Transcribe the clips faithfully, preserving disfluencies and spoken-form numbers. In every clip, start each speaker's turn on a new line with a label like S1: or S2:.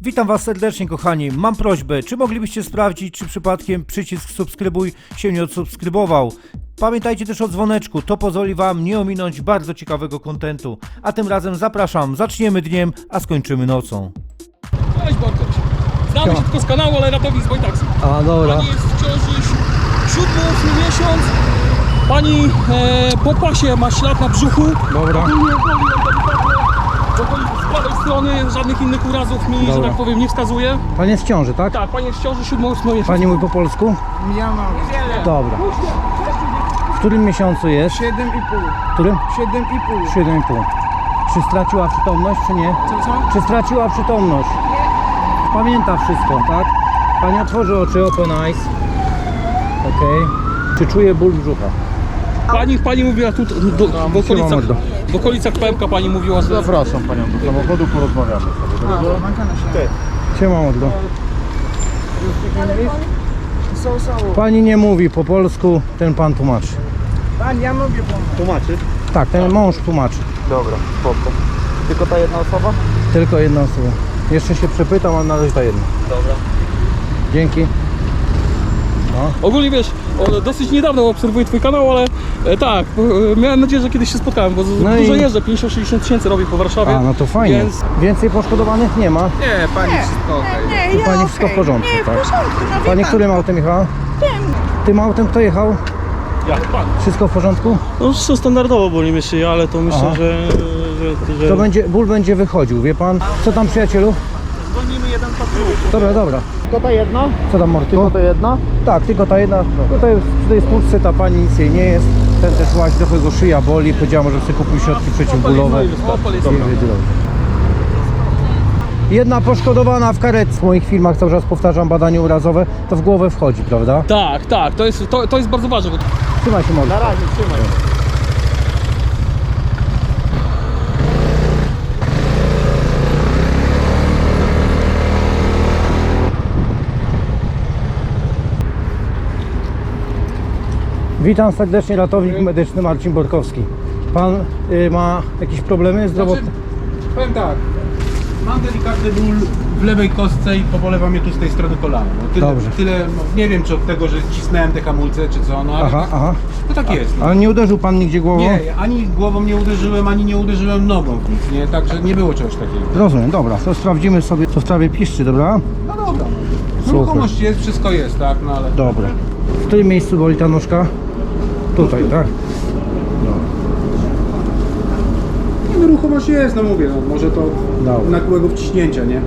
S1: Witam Was serdecznie, kochani. Mam prośbę, czy moglibyście sprawdzić, czy przypadkiem przycisk subskrybuj się nie odsubskrybował? Pamiętajcie też o dzwoneczku, to pozwoli Wam nie ominąć bardzo ciekawego kontentu. A tym razem zapraszam, zaczniemy dniem, a skończymy nocą.
S2: Cześć Bartosz. Znamy się tylko z kanału, ale ratownik z Wojtaksy.
S1: A, dobra.
S2: Pani jest w ciąży siódmy, ósmy miesiąc. Pani e, po pasie ma ślad na brzuchu.
S1: Dobra.
S2: Ogólnie boli ją delikatnie. Z prawej strony żadnych innych urazów mi,
S1: Dobra.
S2: że tak powiem, nie wskazuje.
S1: Pani jest w ciąży, tak?
S2: Tak, pani jest w ciąży siódmy, ósmy miesiąc.
S1: Pani mówi po polsku?
S3: Ja mam
S1: Dobra. W którym miesiącu jest?
S3: siedem i pół.
S1: W którym?
S3: siedem i pół.
S1: siedem i pół. Czy straciła przytomność, czy nie?
S2: Co, co?
S1: Czy straciła przytomność? Pamięta wszystko, tak? Pani otworzy oczy, open eyes. Okej. Czy czuje ból brzucha?
S2: Pani, pani mówiła tu, do, w, okolicach,
S1: mordo.
S2: w okolicach pępka pani mówiła, że...
S4: Zapraszam panią do samochodu, porozmawiamy sobie. Dobrze?
S1: Siema mordo.
S3: So, so.
S1: Pani nie mówi po polsku, ten pan tłumaczy.
S3: Pan, ja mówię pan.
S4: Tłumaczy?
S1: Tak, ten mąż tłumaczy.
S4: Dobra, spoko. Tylko ta jedna osoba?
S1: Tylko jedna osoba. Jeszcze się przepytam, a na razie ta jedna.
S4: Dobra.
S1: Dzięki.
S2: Ogólnie wiesz, o, dosyć niedawno obserwuję twój kanał, ale e, tak, e, miałem nadzieję, że kiedyś się spotkałem, bo z,
S1: No
S2: dużo
S1: i-
S2: jeżdżę, pięćdziesiąt sześćdziesiąt tysięcy robię po Warszawie.
S1: A, no to fajnie.
S2: Więc
S1: Więcej poszkodowanych nie ma.
S4: Nie, pani wszystko okej.
S3: Nie,
S1: U
S3: ja
S1: pani
S3: okej.
S1: wszystko w porządku,
S3: Nie, w
S1: tak?
S3: porządku, no wie
S1: Pani
S3: pan.
S1: którym autem jechała?
S3: Tym.
S1: Tym autem kto jechał?
S2: ja, pan.
S1: Wszystko w porządku?
S5: No wszystko standardowo boli mnie szyja, ale to myślę,
S1: Aha.
S5: że, że, że...
S1: To będzie, ból będzie wychodził, wie pan? Co tam, przyjacielu?
S5: Dzwonimy jeden patrol.
S1: Dobra, dobra.
S4: Tylko ta jedna?
S1: Co tam, Morty?
S4: Tylko ta jedna?
S1: Tak, tylko ta jedna. Tutaj w tej spódce ta pani nic jej nie jest. Ten też właśnie trochę go szyja boli. Powiedziała, że sobie kupił środki przeciwbólowe.
S2: Opel jest
S1: I będzie dobrze. Jedna poszkodowana w karetce. W moich filmach cały czas powtarzam badanie urazowe. To w głowę wchodzi, prawda?
S2: Tak, tak, to jest, to, to jest bardzo ważne. Bo...
S1: Trzymaj się, Morty.
S4: Na razie, trzymaj.
S1: Witam serdecznie, ratownik medyczny Marcin Borkowski. Pan y, ma jakieś problemy zdrowotne?
S6: Znaczy, powiem tak, mam delikatny ból w lewej kostce i pobolewa mnie tu z tej strony kolana. No, tyle,
S1: Dobrze.
S6: tyle, no, nie wiem czy od tego, że cisnąłem te hamulce czy co, no ale
S1: Aha,
S6: tak,
S1: aha.
S6: no tak jest. No.
S1: Ale nie uderzył pan nigdzie głową?
S6: Nie, ani głową nie uderzyłem, ani nie uderzyłem nogą w nic, nie? Także nie było czegoś takiego.
S1: Rozumiem, dobra. To sprawdzimy sobie, co w sprawie piszczy, dobra?
S6: No dobra,
S1: Super.
S6: ruchomość jest, wszystko jest, tak, no ale...
S1: Dobra. W którym miejscu boli ta nóżka? Tutaj, tak?
S6: Nie, no ruchomość jest, no mówię, no, może to
S1: Dobra.
S6: nagłego wciśnięcia, nie?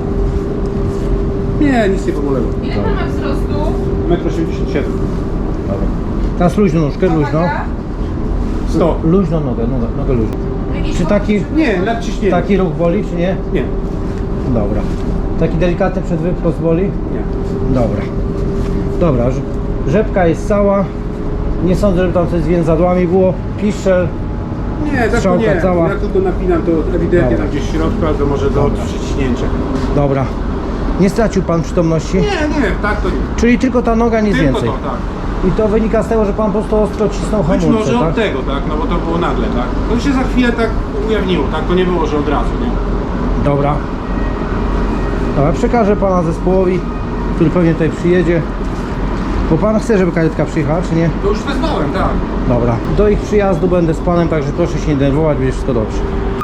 S6: Nie, nic nie pobolewa.
S7: Ile pan ma wzrostu?
S6: metr osiemdziesiąt siedem.
S1: Teraz luźno nóżkę, luźno.
S6: sto.
S1: Luźno nogę, nogę, nogę luźno. Czy taki,
S6: Nie, nadciśnienie.
S1: taki ruch boli, czy nie?
S6: Nie,
S1: Dobra. Taki delikatny przedwyprost boli?
S6: nie.
S1: Dobra. Dobra, rz- rzepka jest cała. Nie sądzę, żeby tam coś z więzadłami było. Piszczel.
S6: Nie, tak to
S1: Strzałka
S6: nie.
S1: cała.
S6: Jak tylko napinam, to ewidentnie
S1: Dobra.
S6: tam gdzieś w środku, albo może do przyciśnięcia.
S1: Dobra. Nie stracił pan przytomności?
S6: Nie, nie, tak to nie.
S1: Czyli tylko ta noga, nic
S6: Tylko
S1: więcej.
S6: to, tak.
S1: I to wynika z tego, że pan po prostu ostro cisnął
S6: Być
S1: hamulce,
S6: może
S1: tak?
S6: od tego, tak, no bo to było nagle, tak. To się za chwilę tak ujawniło, tak, to nie było, że od razu, nie.
S1: Dobra. Dobra, przekażę pana zespołowi, który pewnie tutaj przyjedzie. Bo pan chce, żeby karetka przyjechała, czy nie?
S6: To już wezwałem, tak.
S1: Dobra. Do ich przyjazdu będę z panem, także proszę się nie denerwować, będzie wszystko dobrze.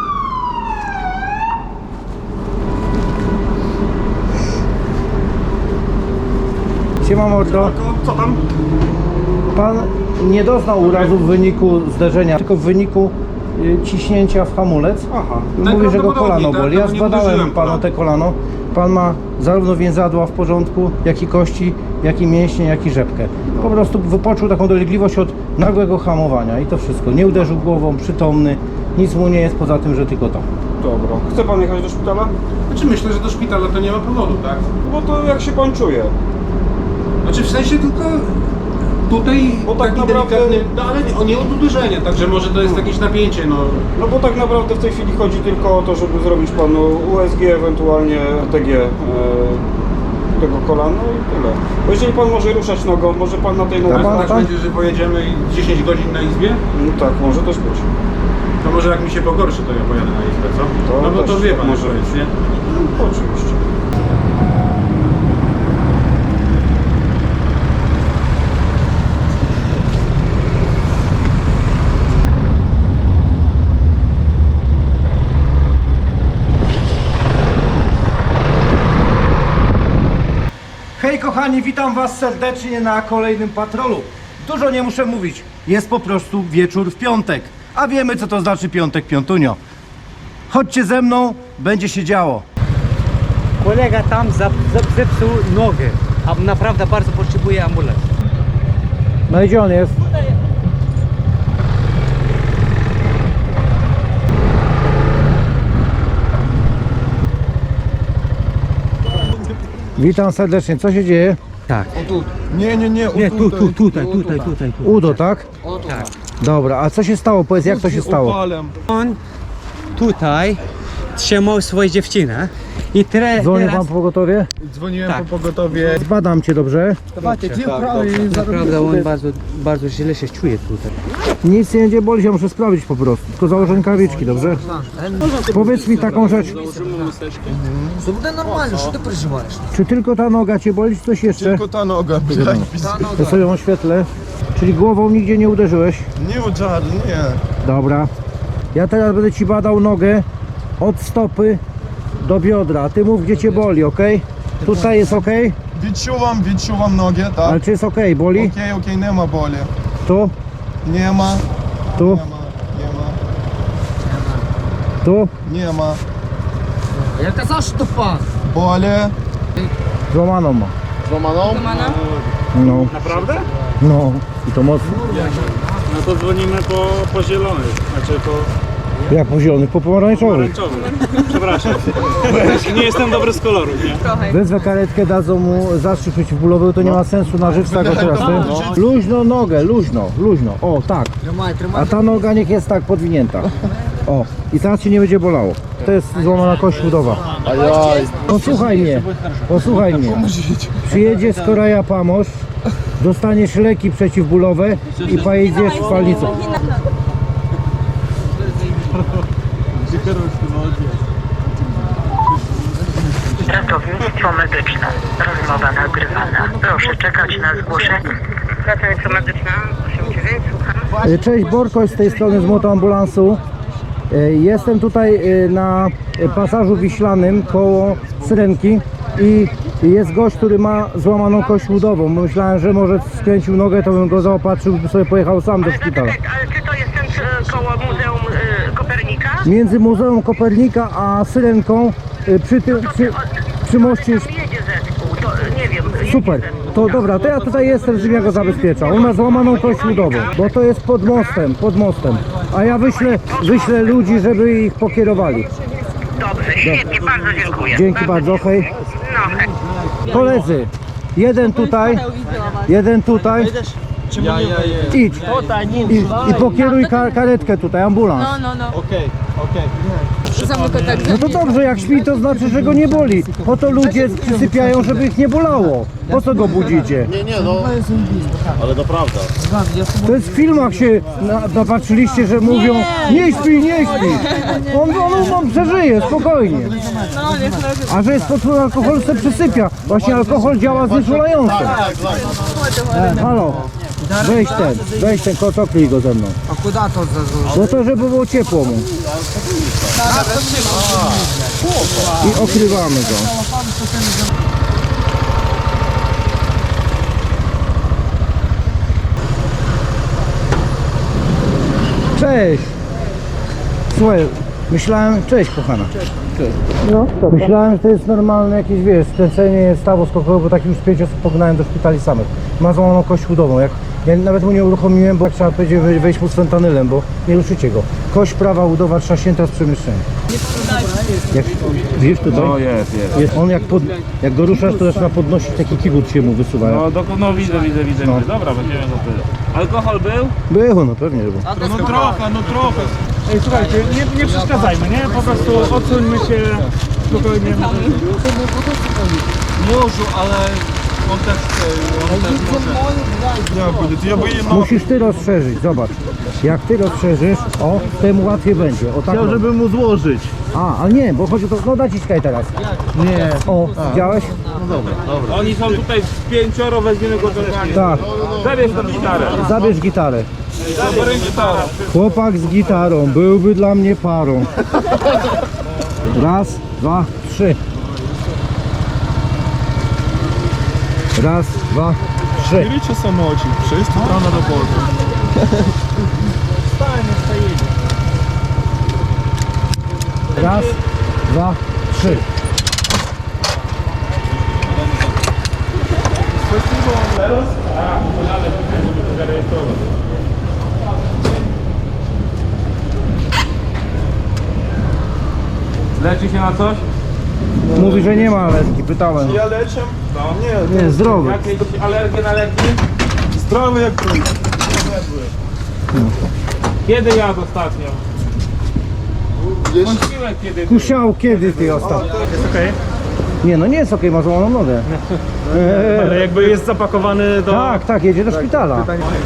S1: Siema mordo.
S4: Co tam?
S1: Pan nie doznał urazu w wyniku zderzenia, tylko w wyniku y, ciśnięcia w hamulec.
S4: Aha.
S1: Mówi, że go kolano
S6: Najprawdopodobniej,
S1: boli.
S6: tak,
S1: Ja
S6: no nie
S1: zbadałem
S6: uderzyłem
S1: panu
S6: kolana.
S1: te kolano. Pan ma zarówno więzadła w porządku, jak i kości, jak i mięśnie, jak i rzepkę. Po prostu wypoczuł taką dolegliwość od nagłego hamowania i to wszystko. Nie uderzył głową, przytomny. Nic mu nie jest poza tym, że tylko to.
S4: Dobra. Chce pan jechać do szpitala?
S6: Znaczy myślę, że do szpitala to nie ma powodu, tak.
S4: Bo to jak się pan czuje?
S6: Znaczy w sensie tylko tutaj
S4: Bo tak
S6: taki
S4: naprawdę-
S6: delikatny, no ale nie, o, nie od uderzenia, także może to jest jakieś napięcie, no.
S4: No bo tak naprawdę w tej chwili chodzi tylko o to, żeby zrobić panu U S G, ewentualnie T G e, tego kolana i tyle. Bo jeżeli pan może ruszać nogą, może pan na tej nodze...
S1: pan-
S6: Tak
S1: pan-
S6: będzie, że pojedziemy i dziesięć godzin na izbie?
S4: No tak, może też być.
S6: To może jak mi się pogorszy, to ja pojadę na izbę, co?
S4: To
S6: no bo to
S4: też
S6: wie
S4: tak
S6: pan,
S4: może
S6: może
S4: być.
S6: jest, nie?
S4: No, oczywiście.
S1: Hej kochani, witam was serdecznie na kolejnym patrolu. Dużo nie muszę mówić, jest po prostu wieczór w piątek. A wiemy co to znaczy piątek, piątunio. Chodźcie ze mną, będzie się działo.
S7: Kolega tam zap- zap- zepsuł nogę, a naprawdę bardzo potrzebuje ambulans.
S1: No i gdzie on jest? Witam serdecznie, co się dzieje?
S7: Tak.
S6: Nie, nie, nie,
S7: Nie, tu, tu, tutaj, tutaj, tutaj. tu.
S1: Udo, tak?
S7: Tak.
S1: Dobra, a co się stało? Powiedz, jak to się stało?
S7: On tutaj trzymał swoją dziewczynę i tre,
S1: Dzwonił
S7: teraz...
S1: pan po pogotowie?
S6: Dzwoniłem
S7: Tak.
S6: po pogotowie.
S1: Zbadam cię, dobrze?
S7: Naprawdę on bardzo, bardzo źle się czuje tutaj.
S1: Nic nie będzie bolić, ja muszę sprawdzić po prostu. Tylko założę rękawiczki, dobrze? Powiedz mi taką rzecz.
S8: Все буде нормально, що ти переживаєш?
S1: Czy tylko ta noga cię boli, czy coś jeszcze?
S6: Tylko ta noga, блядь,
S1: Ja sobie ją oświetlę. Czyli głową nigdzie nie uderzyłeś?
S6: nie udział, nie.
S1: Dobra. Ja teraz będę ci badał nogę od stopy do biodra. Ty mów, gdzie cię boli, ok? Tutaj jest ok?
S6: Відчувам, відчувам ноги,
S1: Ale
S6: tak?
S1: czy jest ok? Boli?
S6: Окей, окей, нема болі.
S1: Tu?
S6: Нема,
S1: Tu?
S6: нема, нема,
S1: Tu?
S6: нема.
S8: Я казав, що пах.
S6: Болі.
S1: Złamaną ma.
S6: Зламано?
S1: No.
S5: Naprawdę?
S1: No. I to mocno.
S5: No to dzwonimy po, po zielony, znaczy po
S1: Jak po zielonych, po pomarańczowych.
S5: pomarańczowy. Przepraszam. Nie jestem dobry z koloru, nie?
S1: Wezwę karetkę, dadzą mu zastrzyk przeciwbólowy, to nie ma sensu na żyć tego teraz. Ty. Luźno nogę, luźno, luźno. O, tak.
S8: Тримай, тримай.
S1: A ta noga niech jest tak podwinięta. O, i teraz ci nie będzie bolało. To jest złamana kość udowa. Posłuchaj mnie, posłuchaj mnie. Przyjedzie z Koreja Pamosz, dostaniesz leki przeciwbólowe i pojedziesz w palnicę.
S9: Ratownictwo medyczne. Rozmowa nagrywana. Proszę czekać na zgłoszenie. Ratownictwo medyczne. osiem dziewięć, słucham.
S1: Cześć, Borkoś z tej strony z motoambulansu. E, Jestem tutaj e, na pasażu wiślanym koło Syrenki i jest gość, który ma złamaną kość udową. Myślałem, że może skręcił nogę, to bym go zaopatrzył, by sobie pojechał sam do szpitala.
S9: Ale czy to jest ten e, koło Muzeum e, Kopernika?
S1: Między Muzeum Kopernika a Syrenką e, przy tym przy, przy moście
S9: Tam jedzie zespół, to e, nie wiem. jedzie
S1: super.
S9: zespół.
S1: To dobra, to ja tutaj jestem, żebym ja go zabezpieczał. On ma złamaną kość udową, bo to jest pod mostem, pod mostem. A ja wyślę, wyślę ludzi, żeby ich pokierowali.
S9: Dobrze, świetnie, bardzo dziękuję.
S1: Dzięki bardzo, hej.
S9: No, hej.
S1: Koledzy, jeden tutaj, jeden tutaj. Idź i, i pokieruj ka karetkę tutaj, ambulans.
S10: No, no.
S6: Okej, okej.
S10: Zamykaj tak.
S1: No to dobrze, jak śpi, to znaczy, że go nie boli. Po to ludzie przysypiają, żeby ich nie bolało. Po co go budzicie?
S6: Nie, nie, no. Ale to prawda.
S1: To jest w filmach się na, napatrzyliście, że mówią nie śpi, nie śpi. On, on, on przeżyje, spokojnie.
S10: No, niech leży.
S1: A że jest pod wpływem alkoholu, se przysypia. Właśnie alkohol działa znieczulająco. E, halo, weź ten, weź ten kotokli go ze mną.
S8: А куди то зазу?
S1: No to, żeby było ciepło mu. I okrywamy go. Cześć! Słuchaj, myślałem... Cześć kochana. No, myślałem, że to jest normalne jakieś, wiesz, skręcenie stawu skokowego, bo takim już pięć osób pognałem do szpitali samych. Ma złamaną kość udową. Jak, ja nawet mu nie uruchomiłem, bo jak trzeba będzie wej- wejść mu z fentanylem, bo nie ruszycie go. Kość prawa udowa trzaśnięta z przemieszczenia. Jak, wiesz tutaj?
S4: No jest, jest.
S1: Jest on jak, pod, jak go ruszasz, to zaczyna podnosić, taki kibut się mu wysuwa.
S4: No, do, no widzę, widzę, widzę.
S1: No.
S4: Dobra, będziemy za tyle. Alkohol był?
S1: Było, no pewnie, że było.
S6: No trochę, no trochę.
S5: Ej, słuchajcie, nie, nie przeszkadzajmy, nie? Po prostu odsuńmy się spokojnie.
S6: Можу, але он też chce, on też może. Jak będzie? Ja by je
S1: Musisz ty rozszerzyć, zobacz. Jak ty rozszerzysz, o, temu łatwiej będzie. O, tak. Chciał, żeby mu złożyć. A, ale nie, bo chodzi o to, no naciskaj teraz. Nie. O, widziałeś?
S5: Oni są tutaj pięcioro, weźmiemy go do ręki.
S1: Tak,
S5: Zabierz tą gitarę.
S1: zabierz gitarę.
S5: Zabierz gitarę.
S1: Chłopak z gitarą, byłby dla mnie parą. Raz, dwa, trzy. Raz, dwa, trzy.
S6: Берите самочек, в шесть утра на работу.
S1: Raz, dwa, trzy.
S2: Leczy się na coś?
S1: Mówi, że nie ma alergii, pytałem.
S4: Ja leczę? No nie,
S1: Nie, zdrowy.
S2: Jakieś alergie na leki?
S4: zdrowy jak to.
S2: Kiedy jadł ostatnio? Wątpiłem kiedy.
S1: Kusiał kiedy ty ostatnio?
S5: Jest okej,
S1: Nie, no nie jest okej, ma złamaną nogę. Eee,
S5: ale jakby jest zapakowany do...
S1: tak, tak, jedzie do szpitala.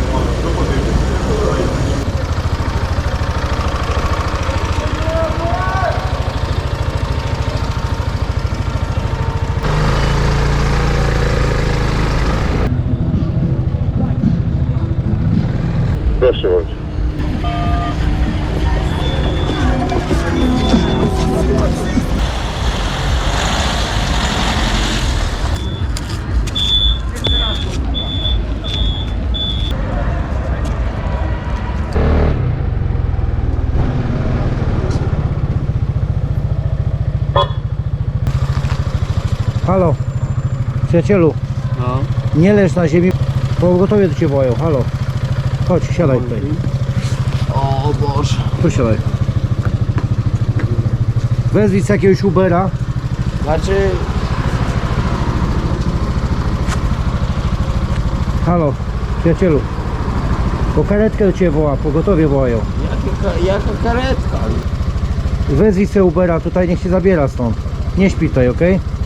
S11: Proszę bardzo.
S1: Halo, przyjacielu,
S2: No.
S1: nie leż na ziemi, pogotowie do ciebie wołają, halo. Chodź, siadaj tutaj.
S6: O Boże.
S1: Tu siadaj. Wezwij sobie jakiegoś Ubera.
S3: Znaczy,
S1: Halo, przyjacielu. Bo karetkę do ciebie woła, pogotowie wołają.
S3: jaka, jaka karetka?
S1: Wezwij sobie Ubera, tutaj niech się zabiera stąd. Nie śpi tutaj, okej?